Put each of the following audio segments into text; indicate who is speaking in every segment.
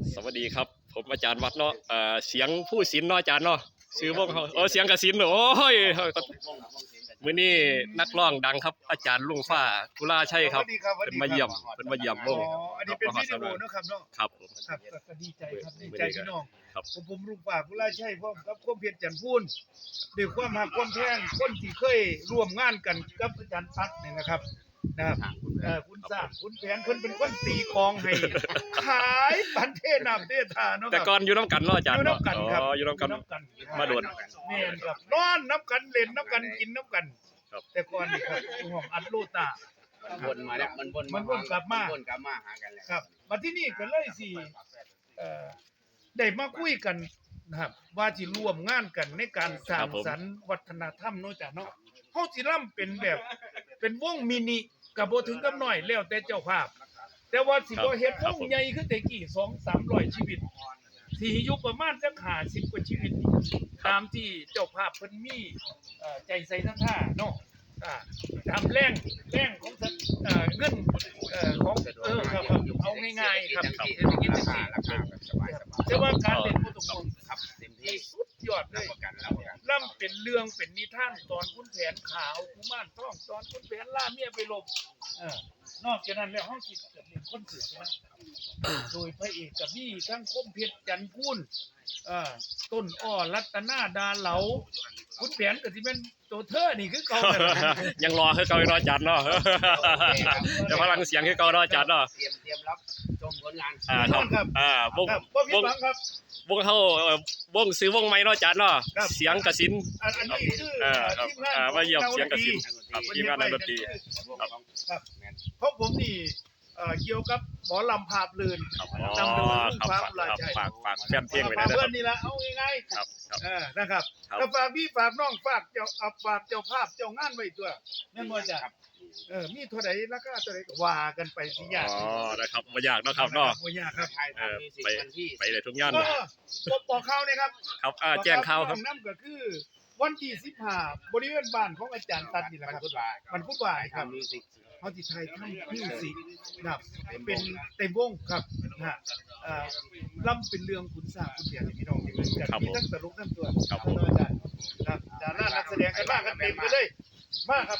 Speaker 1: สวัสดีครับผมอาจารย์วัดเนาะเสียงผู้ศิลป์เนาะอาจารย์เนาะชื่อวงเขาเสียงกสินโอ้ยมื้อนี้นักร้องดังครับอาจารย์ลุงฟ้ากุลาชัยครับเป็นมาเยี่ยมวง
Speaker 2: อันนี้เป็นวิดีโอนะครับเนาะ
Speaker 1: ครับผม
Speaker 2: ครับก็ดีใจครับดีใจพี่น้อง
Speaker 1: ครับ
Speaker 2: ผมลุงฝากกุลาชัยพร้อมกับคมเพียรจันทร์พูนด้วยความหักความแพงคนที่เคยร่วมงานกันกับอาจารย์ตั๊กเนี่ยนะครับคุณสร้างคุณแผนเพิ่นเป็นคนตีกองให้ขายปันเทน้ำเททาเนาะ
Speaker 1: แต่ก่อนอยู่น้ำกันเนาะอาจารย์
Speaker 2: อยู่น้ำกันครับ
Speaker 1: อยู่น้ำกันมาโดน
Speaker 2: แม่นครับนอนน้ำกันเล่นน้ำกันกินน้ำกัน แต่ก่อนนี่ครับห้องอัดโลตา
Speaker 3: วนมาแล้วมัน
Speaker 2: วนกลับมา
Speaker 3: หากันแล้ว
Speaker 2: ครับมาที่นี่ก็เลยสิได้มาคุยกันนะครับว่าสิร่วมงานกันในการสร้างสรรค์วัฒนธรรมเนาะจ้ะเนาะเฮาสิร่ำเป็นแบบเป็นวงมินิก็บ่ถึงกับน้อยแล้วแต่เจ้าภาพแต่ว่าสิบ่เฮ็ดวงใหญ่คือแต่กี้ 2-300 ชีวิตสิอยู่ประมาณจัก50กว่าชีวิตตามที่เจ้าภาพเพิ่นมีใจใส่ทั้งท่าเนาะตามแรงของเงินของครับเอาง่ายๆครับเศรษฐกิจจังซี่แต่ว่าการเล่นบ่ต้องห่วง
Speaker 3: ครับเต็มที่
Speaker 2: สุดยอดเลยล่ำเป็นเรื่องเป็นนิทานตอนคุณแผนขาวกุมารทองตอนคุณแผนล่าเมียไปลบนอกจากนั้นแล้วเฮาสิเล่นคอนเสิร์ตนะโดยพระเอกกับนี่ทั้งคมเพชรจันทร์พูนต้นอ้อรัตนาดาเหลาคุณแผนก็สิแม่นตัวเธอนี่คือเก่า
Speaker 1: ยังรอคือเก่าอยู่เนาะอาจารย์เนาะแต่พลังเสียงคือเก่าเนาะอาจารย์เนาะ
Speaker 3: เตรียมรับชมผลงาน
Speaker 2: ครับ
Speaker 1: วงเฮาวงซื้อวงใหม่เนาะอาจารย์เนาะเสียงกสิน
Speaker 2: อันนี้คือทีมงาน
Speaker 1: มาเยี่ยมเสียงกสินครับทีมงานดนตรี
Speaker 2: ครับเพราะผมนี่เกี่ยวกับหมอลำภาพลื่นนำโดยลุงฟ้ากุลาชัย
Speaker 1: ฝากแฟนเพลงไว้นะครับ
Speaker 2: เพื่อนนี่ละเอาง่าย
Speaker 1: ๆครับ
Speaker 2: นะครับแล้วฝากพี่ฝากน้องฝากเจ้าภาพเจ้างานไว้ตัวแม่นบ่จ้ะมีเท่าใดราคาเท่าใดก็ว่ากันไปสิยาก
Speaker 1: นะครับบ่ยากเนาะครับเนาะ
Speaker 2: บ่ยากครับ
Speaker 1: ไปได้ทุกงาน
Speaker 2: บอกข่าวนี่ครับ
Speaker 1: ครับแจ้งข่าวครับ
Speaker 2: นำก็คือวันที่15บริเวณบ้านของอาจารย์ตัดนี่แหละครับมันพุธบ่ายครับเฮาสิไทยทำมิวสิกนะครับเป็นเต็มวงครับนะล่ำเป็นเรื่องขุนสร้างขุนเสียงพี่น้องที่มันจะมีทั้งตลกทั้งตัวครับอาจารย์ครับดารานักแสดงกันมากกันเต็มไปเลยมาครับ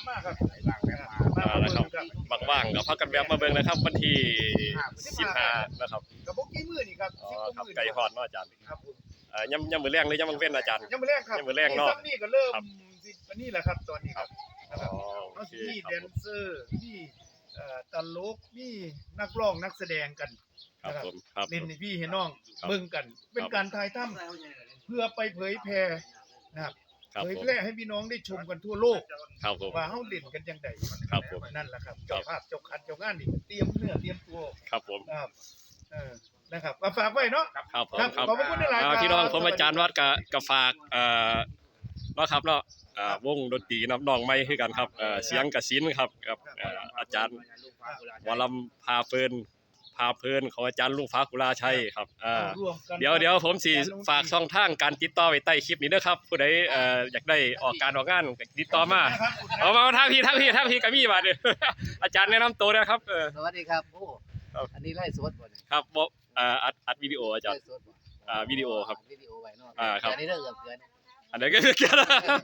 Speaker 1: ว่างกับพักกันแบบมาเบิ่งนะครับวันที่15นะครับ
Speaker 2: กับบ่กี่มื้อนี่ครับ
Speaker 1: 10มื้อไก่ฮอดเนาะอาจารย์ครับยำมื้อแรงหรือยำมื้อเว้นอาจารย์
Speaker 2: ยำมื้อแรงครับ
Speaker 1: ยำมื้อแรงเนาะ
Speaker 2: นี่ก็เริ่มอันนี้แหละครับตอนนี้ครับนะครับมีแดนเซอร์มีตลกมีนักร้องนักแสดงกัน
Speaker 1: ครับผมครับ
Speaker 2: เล่นให้พี่ให้น้องเบิ่งกันเป็นการถ่ายทำเพื่อไปเผยแพร่นะครับเผยแพร่ให้พี่น้องได้ชมกันทั่วโลกว่าเฮาเล่นกันจังได๋
Speaker 1: ครับผม
Speaker 2: นั่นแหละครับเจ้าภาพเจ้าคันเจ้างานนี่เตรียมเนื้อเตรียมตัว
Speaker 1: ครับผม
Speaker 2: ครับนะครับฝากไว้เนาะ
Speaker 1: ครับผม
Speaker 2: ขอบคุณหลายๆ
Speaker 1: พี่น้องผมอาจารย์วัดกับฝากเนาะครับเนาะวงดนตรีน้องใหม่คือกันครับเสียงกสินครับกับอาจารย์วรำพาเพลินของอาจารย์ลุงฟ้ากุลาชัยครับเดี๋ยวผมสิฝากช่องทางการติดต่อไว้ใต้คลิปนี้เด้อครับผู้ใดอยากได้ออกงานติดต่อมาเอามาทางพี่ก็มีบาดนี้อาจารย์แนะนำตัวนะครับ
Speaker 3: สวัสดีครับโอ้อันนี้ไล่สดบ่
Speaker 1: ครับอัดวิดีโออาจารย์วิดีโอครับ
Speaker 3: วิดีโอไว้เนาะ
Speaker 1: ครับ
Speaker 3: อันนี้เรื่องเกิน
Speaker 1: อันนี้ก็เกิน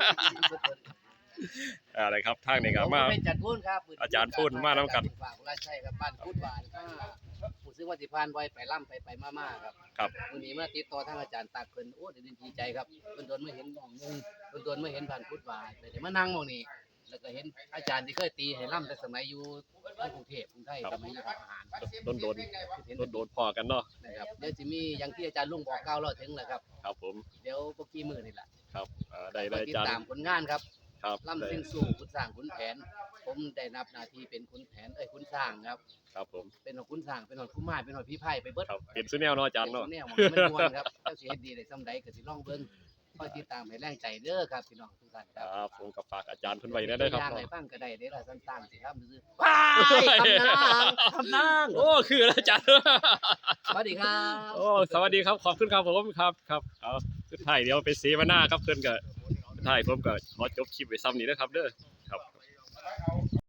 Speaker 1: อะไรครับทางนี้ครับมา
Speaker 3: เป็นจัดพูนครับ
Speaker 1: อาจารย์พูนมานำกัน
Speaker 3: ฝากกุลาชัยครับบ้านพุทธบานผู้ซื้อวัติพานไว้ไปล่ำไปมาครับวันนี้มาติดต่อทางอาจารย์ตากเพิ่นโอ้ดีใจครับเพิ่นโดนไม่เห็นน้องนึงเพิ่นโดนไม่เห็นผ่านพุทธบานแต่มานั่งมองนี่แล้วก็เห็นอาจารย์ที่เคยตีให้ล่ำแต่สมัยอยู่ในกรุงเทพกรุงไทยสมัยอยู่ทหาร
Speaker 1: โดนพอกันเนาะ
Speaker 3: นะครับเดี๋ยวจะมีอย่างที่อาจารย์ลุงบอก9เราถึงแหละครับ
Speaker 1: ครับผม
Speaker 3: เดี๋ยวพวกกี่มื้อนี่แหละ
Speaker 1: ครับได้
Speaker 3: ติดตามผลงานครับ
Speaker 1: ครับ
Speaker 3: ล่ำสิ้นสู่ขุนสร้างขุนแผนผมได้นับหน้าที่เป็นขุนแผนขุนสร้างครับ
Speaker 1: ครับผม
Speaker 3: เป็นขุนสร้างเป็นหอดคุ้มไม้เป็นหอดพี่ไผ่ไปเบิด
Speaker 1: ครับเป็นซุแนวเนาะอาจารย์เนาะ
Speaker 3: แนวมันม่วนครับเจ้าสิเฮ็ดดีได้ซำใดก็สิลองเบิ่งคอยติดตามให้แรงใจเด้อครับพี่น้องทุกท่าน
Speaker 1: ครับผมก็ฝากอาจารย์เพิ่นไว้ได้ครับ
Speaker 3: อย่างไรบ้างก็ได้เด้อล่ะสั้นๆสิครับซื่อๆคำนาง
Speaker 1: โอ้คืออาจารย์
Speaker 3: สวัสดีครับ
Speaker 1: โอ้สวัสดีครับขอบคุณครับผมครับเอาสุดท้ายเดี๋ยวไปเสวนาครับเพิ่นก็สุดท้ายผมก็ขอจบคลิปไว้ซ้ำนี้นะครับเด้อ